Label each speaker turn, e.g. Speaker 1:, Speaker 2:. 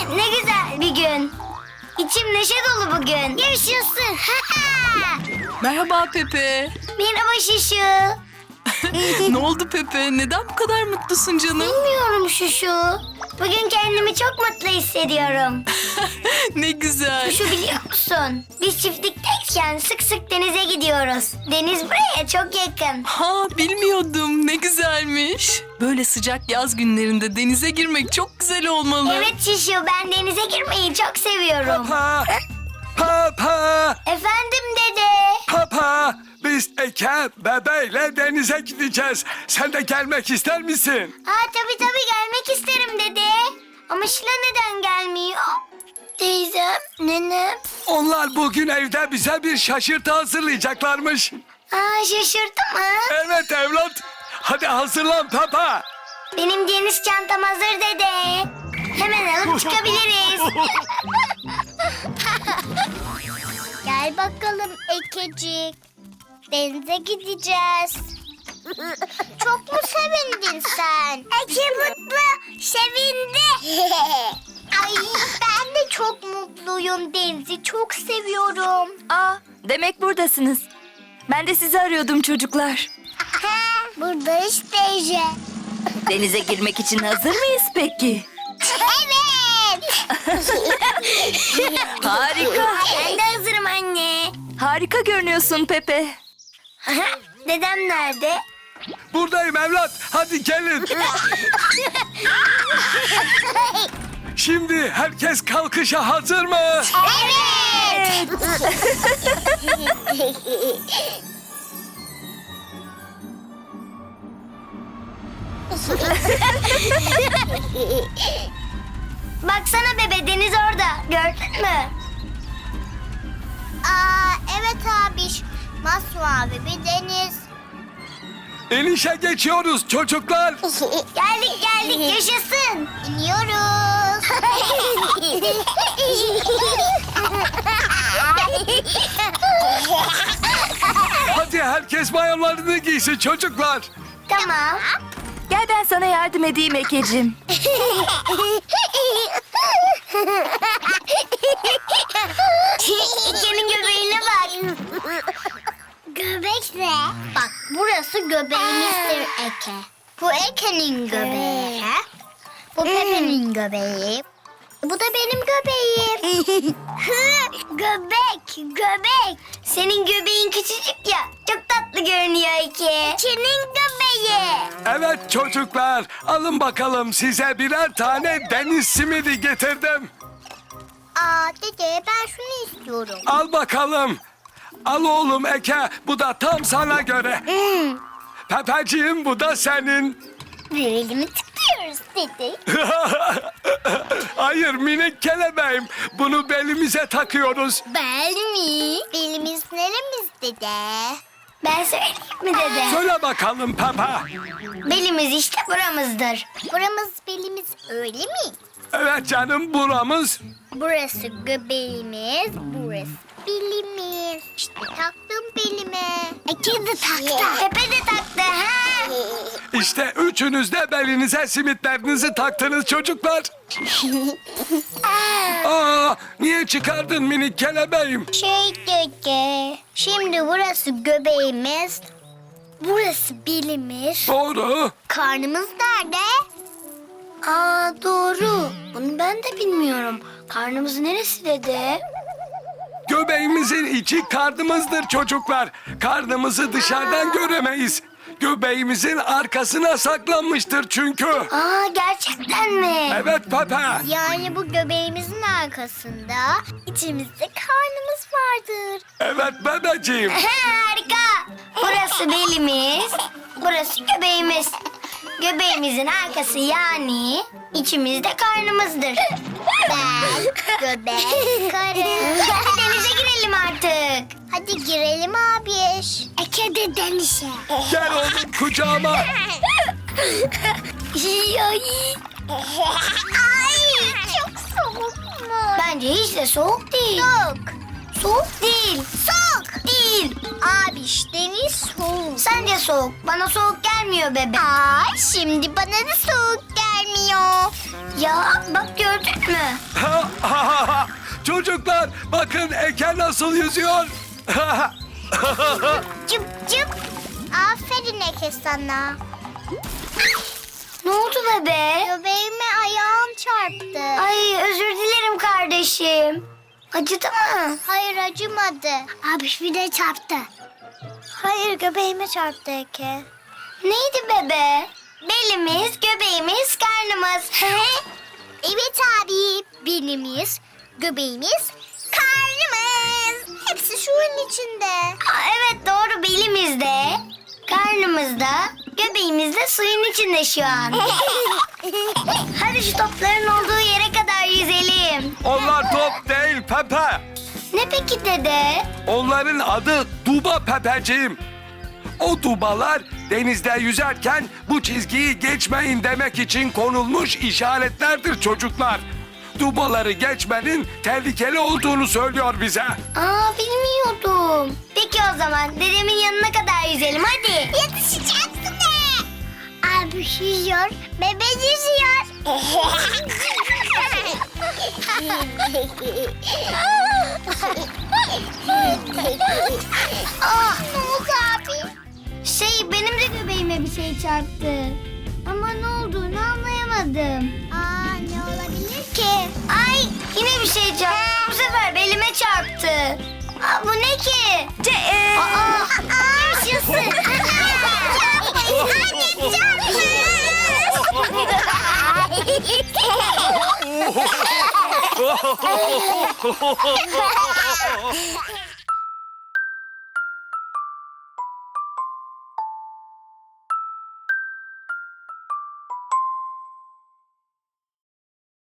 Speaker 1: Ne güzel bir gün. İçim neşe dolu bugün. Yaşasın.
Speaker 2: Merhaba Pepe.
Speaker 1: Merhaba Şuşu.
Speaker 2: Ne oldu Pepe? Neden bu kadar mutlusun canım?
Speaker 1: Bilmiyorum Şuşu. Bugün kendimi çok mutlu hissediyorum.
Speaker 2: Ne güzel.
Speaker 1: Şuşu biliyor musun? Biz çiftlikteyken sık sık denize gidiyoruz. Deniz buraya çok yakın.
Speaker 2: Ha, bilmiyordum. Ne güzelmiş. Böyle sıcak yaz günlerinde denize girmek çok güzel olmalı.
Speaker 1: Evet Şuşu, ben denize girmeyi çok seviyorum.
Speaker 3: Papa! Papa!
Speaker 1: Efendim dede.
Speaker 3: Papa! Biz Eke bebeyle denize gideceğiz. Sen de gelmek ister misin?
Speaker 1: Tabii gelmek isterim dede. Ama Şila neden gelmiyor? Teyzem, nenem.
Speaker 3: Onlar bugün evde bize bir şaşırtı hazırlayacaklarmış.
Speaker 1: Şaşırdı mı?
Speaker 3: Evet evlat. Hadi hazırlan Papa.
Speaker 1: Benim deniz çantam hazır dede. Hemen alıp çıkabiliriz.
Speaker 4: Gel bakalım Ekecik. Denize gideceğiz. Çok mu sevindin sen?
Speaker 1: Eke mutlu, sevindi.
Speaker 4: Ay ben de çok mutluyum. Denizi çok seviyorum.
Speaker 5: Demek buradasınız. Ben de sizi arıyordum çocuklar.
Speaker 4: Buradayız teyze.
Speaker 5: Denize girmek için hazır mıyız peki?
Speaker 4: Evet.
Speaker 5: Harika.
Speaker 1: Ben de hazırım anne.
Speaker 5: Harika görünüyorsun Pepe.
Speaker 1: Dedem nerede?
Speaker 3: Buradayım evlat. Hadi gelin. Şimdi herkes kalkışa hazır mı?
Speaker 4: Evet.
Speaker 1: Baksana bebe, deniz orada. Gördün mü?
Speaker 4: Evet abiş. Masmavi bir deniz.
Speaker 3: İnişe geçiyoruz çocuklar.
Speaker 1: Geldik yaşasın.
Speaker 4: İniyoruz.
Speaker 3: Hadi herkes mayolarını giysin çocuklar.
Speaker 1: Tamam.
Speaker 5: Gel ben sana yardım edeyim Ekeciğim.
Speaker 1: İkenin göbeğine bak.
Speaker 4: Göbek ne? Bak burası göbeğimizdir Eke. Bu Eke'nin göbeği. Bu Pepe'nin göbeği. Bu da benim göbeğim.
Speaker 1: Göbek. Senin göbeğin küçücük ya. Çok tatlı görünüyor Eke.
Speaker 4: Senin göbeği.
Speaker 3: Evet çocuklar, alın bakalım size birer tane deniz simidi getirdim.
Speaker 4: Dede ben şunu istiyorum.
Speaker 3: Al bakalım. Al oğlum Eke, bu da tam sana göre. Pepeciğim, bu da senin.
Speaker 4: Elimi tıklıyoruz dede.
Speaker 3: Hayır minik kelebeğim, bunu belimize takıyoruz.
Speaker 4: Bel mi? Belimiz neremiz dede?
Speaker 1: Ben söyleyeyim mi dede?
Speaker 3: Söyle bakalım Pepe.
Speaker 1: Belimiz işte buramızdır.
Speaker 4: Buramız belimiz öyle mi?
Speaker 3: Evet canım, buramız.
Speaker 4: Burası göbeğimiz, burası belimiz. İşte taktım belime. Eke de taktı.
Speaker 1: Pepe de taktı ha.
Speaker 3: İşte üçünüz de belinize simitlerinizi taktınız çocuklar. Niye çıkardın minik kelebeğim?
Speaker 4: Dede, şimdi burası göbeğimiz, burası belimiz.
Speaker 3: Doğru.
Speaker 4: Karnımız nerede?
Speaker 1: Doğru. Bunu ben de bilmiyorum. Karnımız neresi dede?
Speaker 3: Göbeğimizin içi karnımızdır çocuklar. Karnımızı dışarıdan göremeyiz. Göbeğimizin arkasına saklanmıştır çünkü.
Speaker 1: Gerçekten mi?
Speaker 3: Evet Pepe.
Speaker 4: Yani bu göbeğimizin arkasında içimizde karnımız vardır.
Speaker 3: Evet bebeciğim.
Speaker 1: Harika. Burası belimiz, burası göbeğimiz. Göbeğimizin arkası yani içimizde karnımızdır.
Speaker 4: Ben, göbek, karın.
Speaker 1: Hadi denize girelim artık.
Speaker 4: Hadi girelim abiş. Eke de denize.
Speaker 3: Gel oğlum kucağıma.
Speaker 4: Ay çok soğuk mu?
Speaker 1: Bence hiç de soğuk değil.
Speaker 4: Soğuk.
Speaker 1: Soğuk değil.
Speaker 4: Soğuk.
Speaker 1: Değil.
Speaker 4: Abiş deniz soğuk.
Speaker 1: Sence soğuk. Bana soğuk gelmiyor bebe.
Speaker 4: Ay şimdi bana da soğuk gelmiyor.
Speaker 1: Ya bak gördün mü?
Speaker 3: Çocuklar bakın Eke nasıl yüzüyor.
Speaker 4: Cıp cıp. Aferin Eke sana.
Speaker 1: Ne oldu bebe?
Speaker 4: Göbeğime ayağım çarptı.
Speaker 1: Ay özür dilerim kardeşim. Acıdı mı?
Speaker 4: Hayır acımadı. Abi bir de çarptı. Hayır göbeğime çarptı Eke.
Speaker 1: Neydi bebe? Belimiz, göbeğimiz, karnımız.
Speaker 4: Evet abi. Belimiz, göbeğimiz, karnımız. Hepsi suyun içinde.
Speaker 1: Aa, evet doğru belimizde, karnımızda, göbeğimizde suyun içinde şu an. Hadi şu topların olduğu yere kadar yüzelim.
Speaker 3: Onlar top değil Pepe.
Speaker 1: Ne peki dede?
Speaker 3: Onların adı Duba Pepeciğim. O dubalar denizde yüzerken bu çizgiyi geçmeyin demek için konulmuş işaretlerdir çocuklar. Dubaları geçmenin tehlikeli olduğunu söylüyor bize.
Speaker 1: Aa bilmiyordum. Peki o zaman dedemin yanına kadar yüzelim hadi.
Speaker 4: Yetişeceksin de. Abi yüzüyor, bebe yüzüyor.
Speaker 1: Ah
Speaker 4: Ne oldu abi?
Speaker 1: benim de göbeğime bir şey çarptı. Ama ne olduğunu anlayamadım.
Speaker 4: Aa, ne olabilir ki?
Speaker 1: Ay yine bir şey çarptı. Bu sefer belime çarptı. Aa, bu ne ki? Aa, yaşasın.
Speaker 4: Hadi